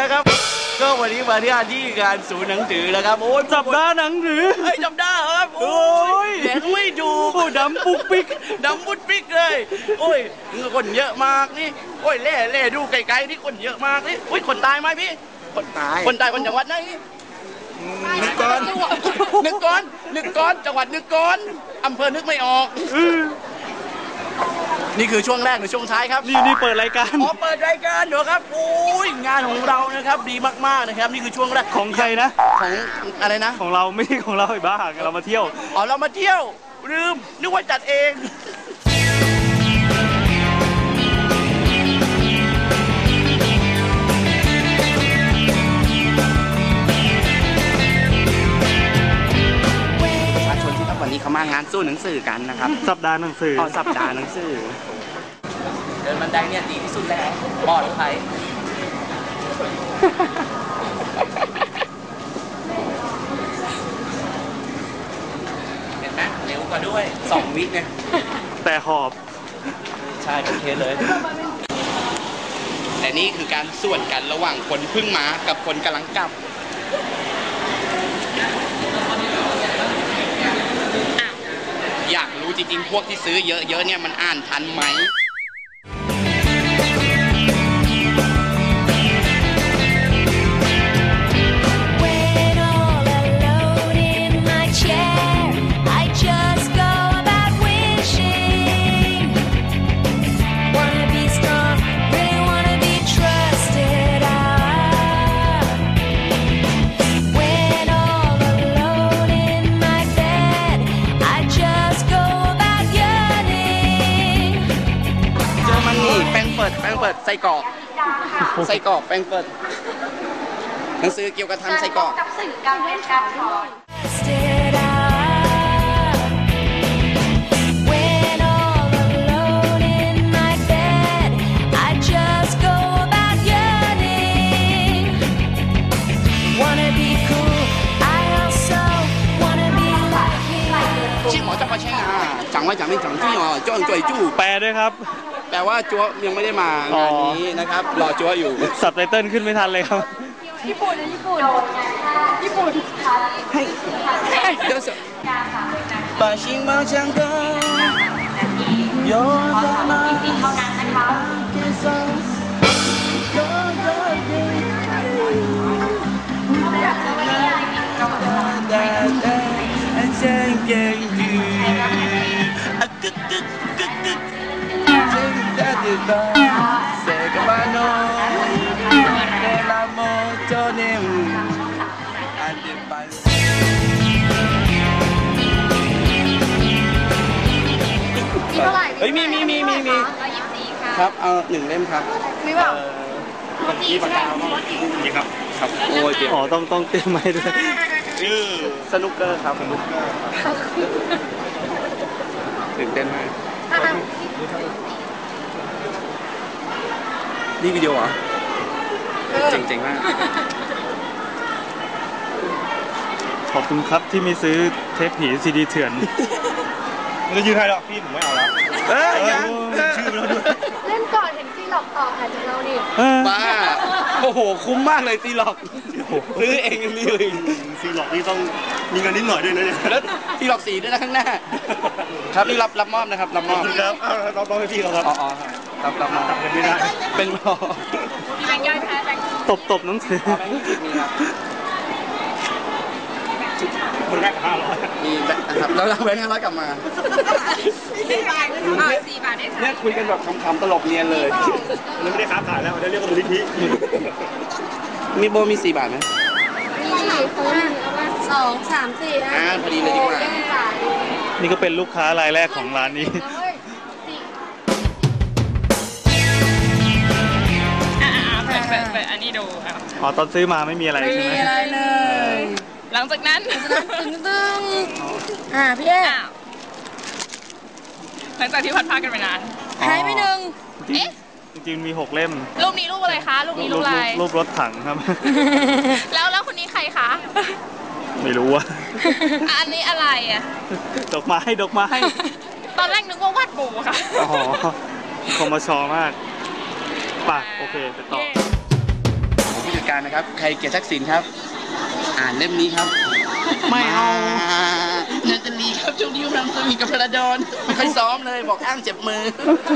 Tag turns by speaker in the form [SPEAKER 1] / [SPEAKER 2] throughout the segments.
[SPEAKER 1] นะครับก็วันนี้มาที่งานศูนย์หนังสือนะครับโอ้ย
[SPEAKER 2] สัปดาห์หนังสือ
[SPEAKER 1] จำได้ครับโอ้ยแหงไม่ดูดำปุ๊กปิ๊กดำปุ๊กปิ๊กเลยโอ้ยคนเยอะมากนี่โอ้ยเล่ดูไกลๆนี่คนเยอะมากนี่โอ้ยคนตายไหมพี่คนตายคนจังหวัดไหนนึกก่อนจังหวัดนึกก่อนอำเภอนึกไม่ออกนี่คือช่วงแรกหรือช่วงท้ายครับ
[SPEAKER 2] นี่เปิดรายการ
[SPEAKER 1] เปิดรายการเดี๋ยวครับโอ้ยงานของเรานะครับดีมากๆนะครับนี่คือช่วงแรก
[SPEAKER 2] ของใครนะ
[SPEAKER 1] ของอะไรนะ
[SPEAKER 2] ของเราไม่ใช่ของเราไอ้บ้าเรามาเที่ยว
[SPEAKER 1] เรามาเที่ยวลืมนึกว่าจัดเองวันนี้เขามางานสู้หนังสือกันนะครับ
[SPEAKER 2] สัปดาห์หนังสือ
[SPEAKER 1] สัปดาห์หนังสือเดินบันไดเนี่ยดีที่สุดแล้วปลอดภัยเห็นไหมเร็วกว่าด้วย2 วิเนี่ย
[SPEAKER 2] แต่หอบ
[SPEAKER 1] ใช่โอเคเลยแต่นี่คือการส่วนกันระหว่างคนเพิ่งมากับคนกำลังกลับอยากรู้จริงๆพวกที่ซื้อเยอะๆเนี่ยมันอ่านทันไหมแป้งเปิดไส้กรอกแป้งเปิดหนังสือเกี่ยวกับทำไส้กรอกกับสื่อการเล่นการสอนชื่อหมอจะมาใช่ไหมจังว่าจังไม่จังจี้อ๋อจ้องจ่อยจู้
[SPEAKER 2] แปลด้วยครับ
[SPEAKER 1] แต่ว่าจั๊วยังไม่ได้มางานนี้นะครับรอจั๊วอยู่
[SPEAKER 2] ซับไตเติ้ลขึ้นไม่ทันเลยครับ
[SPEAKER 3] ญี่ปุ่นให้
[SPEAKER 1] เดี๋ยวสิ把心往上高有什么给上有的给想给予เฮ้ยมีครับเอา1 เล่มครับ
[SPEAKER 3] มีเปล่า
[SPEAKER 1] มีปากกามีครับโอ้ย
[SPEAKER 2] ต้องเตรียมไว้ด้วย
[SPEAKER 1] สนุกเกอร์ครับสนุกเกอร์ตื่นเต้นมากนี่วิดีโอเหรอเจ๋งมาก
[SPEAKER 2] ขอบคุณครับที่ไม่ซื้อเทปผีซีดีเถื่อน
[SPEAKER 4] ไม่ยืนให้หรอกพี่ผมไม่เอาแล้ว
[SPEAKER 1] ยัง
[SPEAKER 4] ชื่อเราด้วย
[SPEAKER 3] เล่นก่อนเห็นซีหลอกต่อหาจากเราดิ
[SPEAKER 1] บ้าโอ้โหคุ้มมากเลยซีหลอกซื้อเองเลย
[SPEAKER 4] ซีหลอกนี่ต้องมีเงินนิดหน่อยด้วยนะเนี่ย
[SPEAKER 1] แล้วซีหลอกสีด้วยนะข้างหน้าครับนี่รับมอบนะครับรับมอบ
[SPEAKER 4] ครับเราต้องให้พี่เราครับ
[SPEAKER 1] รับมอบ
[SPEAKER 4] ไม่ได้
[SPEAKER 1] เป็นมอบ
[SPEAKER 3] แบงค์ย่อยแพ้แบงค์
[SPEAKER 2] ตบหนังสือ
[SPEAKER 4] คนแรก500
[SPEAKER 1] มีนะครับแล้วเราแบงค์500กลับมา
[SPEAKER 3] 4 บาท4 บาท
[SPEAKER 1] เนี่ยคุยกันแบบขำๆตลกเนียนเลย
[SPEAKER 4] มันไม่ได้ค้าขายแล้วมันเรียกว่ามูลนิธิ
[SPEAKER 1] มีโบมี4 บาทไหม
[SPEAKER 3] มีคน2 3 4
[SPEAKER 1] พอดีเลยดีกว่า
[SPEAKER 2] นี่ก็เป็นลูกค้ารายแรกของร้านนี้
[SPEAKER 3] เปิดอันนี้ดู
[SPEAKER 2] ครับตอนซื้อมาไม่มีอะไรใช่ไหม
[SPEAKER 3] ไม่มีอะไรเลยหลังจากนั้นตึงพี่เอ๊หลังจากที่พัดพากันไปนานหายไป1
[SPEAKER 2] จริงๆมี6 เล่ม
[SPEAKER 3] รูปนี้รูปอะไรคะรูปนี้รูปอะไร
[SPEAKER 2] รูปรถถังครับ
[SPEAKER 3] แล้วคนนี้ใครคะ
[SPEAKER 2] ไม่รู้อะ
[SPEAKER 3] อันนี้อะไรอะ
[SPEAKER 2] ดอกไม้
[SPEAKER 3] ตอนแรกนึกว่าวาดปูค่ะ
[SPEAKER 2] คอมชอมากป่ะโอเคไปต่อ
[SPEAKER 1] ผู้จัดการการนะครับ ใครเกลียดทักษิณครับ อ่านเล่มนี้ครับ ไม่เอานาตาลีครับช่วงนี้กำลังสวีทกับพระดอนไม่ค่อยซ้อมเลยบอกอ้างเจ็บมือ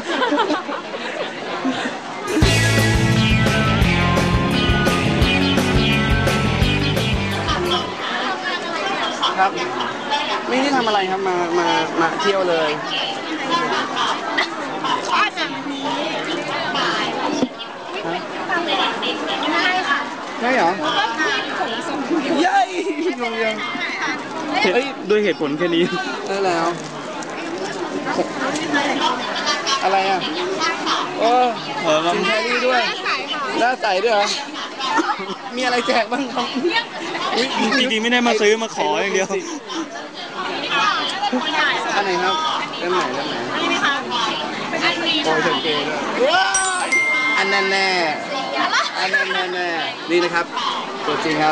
[SPEAKER 1] ครับไม่ได้ทำอะไรครับมาเที่ยวเลยได้เหรอยัยงงยัง
[SPEAKER 2] ด้วยเหตุผลแค่นี้
[SPEAKER 1] แล้วอะไรอ่ะโอ้สินแครี่ด้วยหน้าใสด้วยเหรอมีอะไรแจกบ้างครับ
[SPEAKER 2] จริงๆไม่ได้มาซื้อมาขออย่างเดียว
[SPEAKER 1] อันไหนครับเล่มไหนโอ้ยเถิดเกย์ด้วยอันนั้นแน่นี่นะครับตัวจริงครับ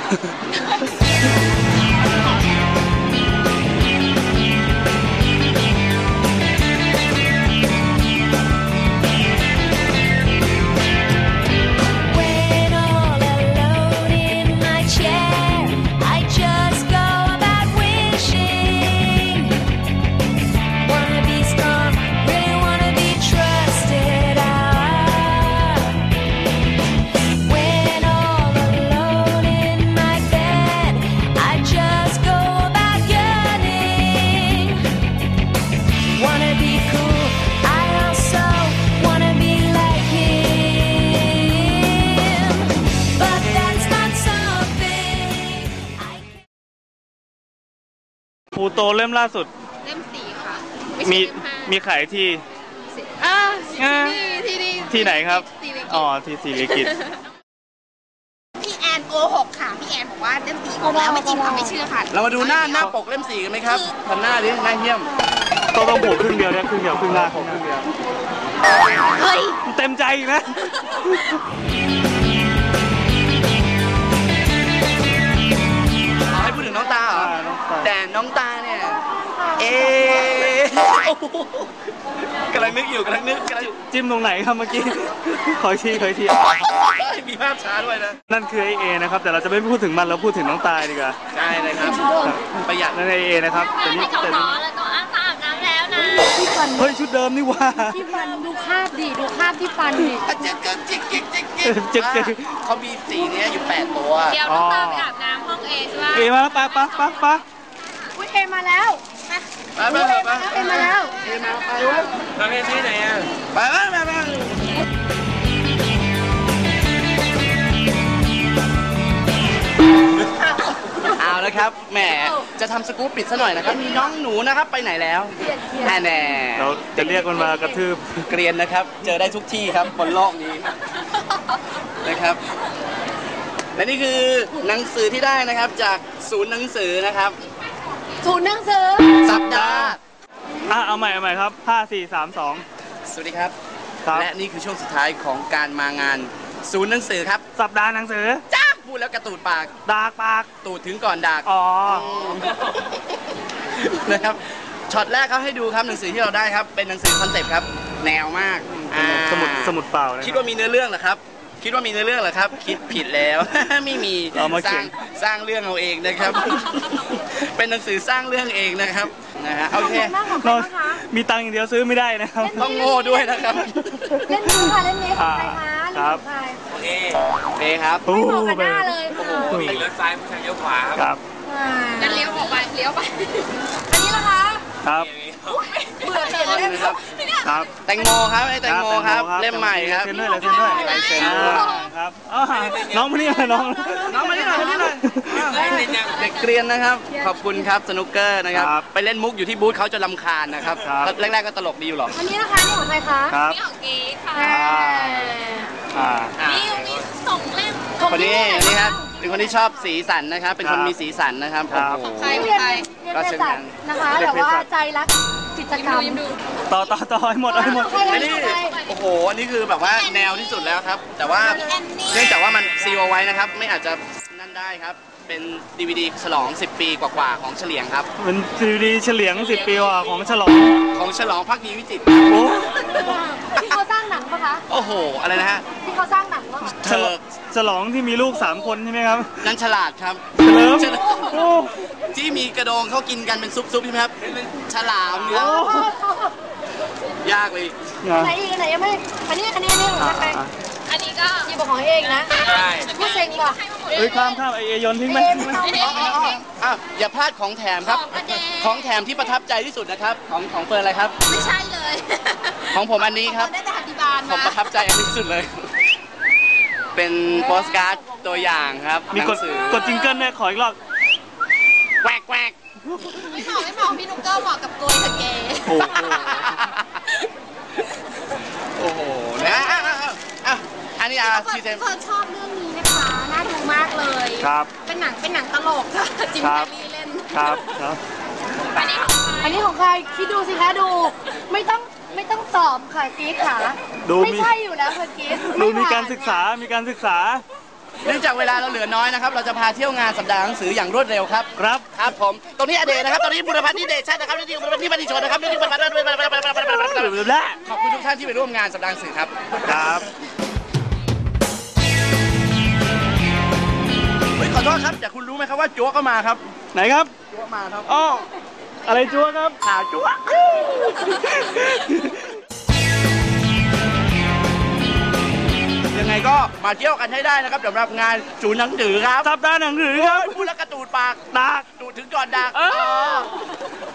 [SPEAKER 2] ปูโตเล่มล่าสุด
[SPEAKER 3] เล่ม4ค่ะ
[SPEAKER 2] มีขายที่ที่ไหนครับอ๋อที่ศิริกิติ์
[SPEAKER 3] พี่แอนโกหกค่ะพี่แอนบอกว่าเล่ม4ออกแล้วไม่จริงค่ะไม่เชื่อค่ะ
[SPEAKER 1] เรามาดูหน้าปกเล่ม4กันไหมครับทำหน้าดิหน้าเหี้ยม
[SPEAKER 2] ต้องโผล่ครึ่งเดียวเนี่ยครึ่งเดียวครึ่งหน้าของครึ่งเดียว
[SPEAKER 3] เฮ้ย
[SPEAKER 2] เต็มใจนะ
[SPEAKER 1] ให้พูดถึงน้องตาเหรอแต่น้องตาเนี่ยกำลังนึก
[SPEAKER 2] จิ้มตรงไหนครับเมื่อกี้ขอที
[SPEAKER 1] มีภาพช้าด้วยนะ
[SPEAKER 2] นั่นคือเอนะครับแต่เราจะไม่พูดถึงมันเราพูดถึงน้องตาดีกว่า
[SPEAKER 1] ใช่เลยครับประหยัด
[SPEAKER 2] นั่นเอนะครับ
[SPEAKER 3] แต่นี่แต่แล้วต้องอาบน้ำแล้วนะ
[SPEAKER 2] เฮ้ยชุดเดิมนี่ว่า
[SPEAKER 3] ที่ฟันดูคาบดิดูคาบที่ฟันดิ
[SPEAKER 1] เขามีสีนี้อยู่8ตัว
[SPEAKER 3] เดี๋ยวน้องตาไปอาบน้ำห้องเอใช่ไหม
[SPEAKER 2] เอมาแล้วปะ
[SPEAKER 3] อุ้ยเอมาแล้ว
[SPEAKER 1] ไปมาแล้วไปวะมาเพที่ไหนอ่ะไปเอาแล้วครับแหมจะทำสกู๊ปปิดซะหน่อยนะครับมีน้องหนูนะครับไปไหนแล้วแน่
[SPEAKER 2] เราจะเรียกมันมากระทืบ
[SPEAKER 1] เกรียนนะครับเจอได้ทุกที่ครับบนโลกนี้นะครับและนี่คือหนังสือที่ได้นะครับจากศูนย์หนังสือนะครับ
[SPEAKER 3] ศูนย์หนังสือ
[SPEAKER 1] สัปดาห์
[SPEAKER 2] เอาใหม่ครับ5 4 3 2
[SPEAKER 1] สวัสดีครับและนี่คือช่วงสุดท้ายของการมางานศูนย์หนังสือครับ
[SPEAKER 2] สัปดาห์หนังสือ
[SPEAKER 1] จ้าพูดแล้วกระตูดปาก
[SPEAKER 2] ดากปาก
[SPEAKER 1] ตูดถึงก่อนดากนะครับช็อตแรกครับให้ดูครับหนังสือที่เราได้ครับเป็นหนังสือคอนเซ็ปต์ครับแนวมาก
[SPEAKER 2] สมุดเปล่า
[SPEAKER 1] คิดว่ามีเนื้อเรื่องเหรอครับคิดผิดแล้วไม่มีสร้างเรื่องเอาเองนะครับเป็นหนังสือสร้างเรื่องเองนะครับโอเค
[SPEAKER 2] มีตังค์อย่างเดียวซื้อไม่ได้นะครับ
[SPEAKER 1] ต้องโง่ด้วยนะครับ
[SPEAKER 3] เล่นนี้ค่ะเล่นนี้ของใครคะ
[SPEAKER 2] ครับ
[SPEAKER 1] เอครับ
[SPEAKER 3] ไม่บอกกันหน้าเลย
[SPEAKER 1] เลี้ยวซ้ายไม่ใช่เลี้ยวขวา
[SPEAKER 2] ครับ
[SPEAKER 3] งั้นเลี้ยวออกไปเลี้ยวไปอันนี้ล่ะคะ
[SPEAKER 2] ครับ
[SPEAKER 3] เบื่อเปลี่ยนเลย
[SPEAKER 1] ครับแตงโมครับแตงโมครับเล่มใหม่ครับ
[SPEAKER 2] เซ็นด้วยครับน้องมานี่น้อง
[SPEAKER 1] มานี่หน่อยเด็กเรียนนะครับขอบคุณครับสนุกเกอร์นะครับไปเล่นมุกอยู่ที่บูธเขาจะรำคาญนะครับแรกๆก็ตลกดีอยู่หรอก
[SPEAKER 3] อันนี้นะคะนี่ของใครคะ
[SPEAKER 2] นี่
[SPEAKER 3] ของเก๋ค่ะนี่2เล่ม
[SPEAKER 1] คนนี้นี่ครับเป็นคนที่ชอบสีสันนะครับเป็นคนมีสีสันนะครับโอ้โห
[SPEAKER 3] ใครก็เช่นกันนะคะแต่ว่าใจรักกิจกรรม
[SPEAKER 2] ต่อให้หมดอั
[SPEAKER 1] นนี้โอ้โหอันนี้คือแบบว่าแนวที่สุดแล้วครับแต่ว่าเนื่องจากว่ามันซีลเอาไว้นะครับไม่อาจจะนั่นได้ครับเป็น DVD ฉลอง10 ปีกว่าๆของเฉลียงครับ
[SPEAKER 2] เป็น DVD เฉลียง10 ปีกว่าของฉลอง
[SPEAKER 1] ภักดีวิจิตร
[SPEAKER 2] โอ้
[SPEAKER 5] ที่เขาสร้างหนังปะคะ
[SPEAKER 1] โอ้โห อะไรนะฮะ
[SPEAKER 5] ที่เขาสร้างหนังปะคะ
[SPEAKER 1] เธอ
[SPEAKER 2] ฉลองที่มีลูก3 คนใช่ไหมครับ
[SPEAKER 1] นั้นฉลาดครับ
[SPEAKER 2] เฉลิม
[SPEAKER 1] ฉลาด
[SPEAKER 2] โอ้
[SPEAKER 1] ที่มีกระดองเขากินกันเป็นซุปๆใช่ไหมครับฉลามเนื้อยากเลย
[SPEAKER 5] ไหนอีกไหนยังไม่อันนี้ของแป้งอันนี้ก็หยิบของเองนะ
[SPEAKER 1] ใช่
[SPEAKER 5] พูดเซ็งว่ะ
[SPEAKER 2] เฮ้ยข้ามไอโยนทิ้งไหม
[SPEAKER 1] อ้าวอย่าพลาดของแถมครับ ของแถมที่ประทับใจที่สุดนะครับ ของเฟิร์นอะไรครับ
[SPEAKER 3] ไม่ใช่เลย
[SPEAKER 1] ของผมอันนี้ครับ
[SPEAKER 3] ได้แต่ฮัตติบาล
[SPEAKER 1] ผมประทับใจอันนี้ที่สุดเลย เป็นโปสการ์ดตัวอย่างครับ
[SPEAKER 2] มี
[SPEAKER 1] หนั
[SPEAKER 2] ก
[SPEAKER 1] ง
[SPEAKER 2] ด
[SPEAKER 1] สือ
[SPEAKER 2] กดจิงเกิลเนี่ยขออีกรอบ
[SPEAKER 1] แกวกแกวก
[SPEAKER 3] ไม่เหมาะพี่นุ๊กเกอร์เหมาะกับโกยเธอเกย์
[SPEAKER 2] โอ้โห
[SPEAKER 1] โอ้โหนะอ่ะอันนี้ซีเซม
[SPEAKER 3] เฟิร์นชอบเรื่องนี้นะคะ น่าดูมากเลย
[SPEAKER 2] ครับ
[SPEAKER 3] เป็นหนังตลกค่ะจิม
[SPEAKER 2] ครั
[SPEAKER 3] แค
[SPEAKER 2] บ
[SPEAKER 3] ร์รีเล่น
[SPEAKER 2] ครับครับ
[SPEAKER 5] อันนี้ของใครคิดดูสิคะดู ไม่ต้องตอบค่ะกีดค่ะ
[SPEAKER 2] ดู
[SPEAKER 5] ไม่ใช่อยู่แล้วค่ะกีด
[SPEAKER 2] ดูมีการศึกษา
[SPEAKER 1] เนื่องจากเวลาเราเหลือน้อยนะครับ เราจะพาเที่ยวงานสัปดาห์หนังสืออย่างรวดเร็วครับ
[SPEAKER 2] ครับ
[SPEAKER 1] ครับผม ตรงนี้อเดชนะครับ ตรงนี้บุรพัฒน์นิเดชใช่นะครับนี่บุรพัฒน์นิบัติชนนะครับนี่บุรพัฒน์
[SPEAKER 2] และ
[SPEAKER 1] ขอบคุณทุกท่านที่ไปร่วมงานสัปดาห์หนังสือครับ
[SPEAKER 2] ครับ
[SPEAKER 1] เฮ้ยขอโทษครับแต่คุณรู้ไหมครับว่าจั๊วก็มาครับ
[SPEAKER 2] ไหนครับ
[SPEAKER 1] จั๊วมาครับ
[SPEAKER 2] อ้ออะไรจั๊วครับ
[SPEAKER 1] ข่าวจั๊วยังไงก็มาเที่ยวกันให้ได้นะครับสำหรับงานศูนย์หนังสือครับ
[SPEAKER 2] สัปดาห์หนังสือครับ
[SPEAKER 1] พูดแล้วกระตูดปาก
[SPEAKER 2] ตาก
[SPEAKER 1] ตูดถึงก่อนดัก
[SPEAKER 2] เออ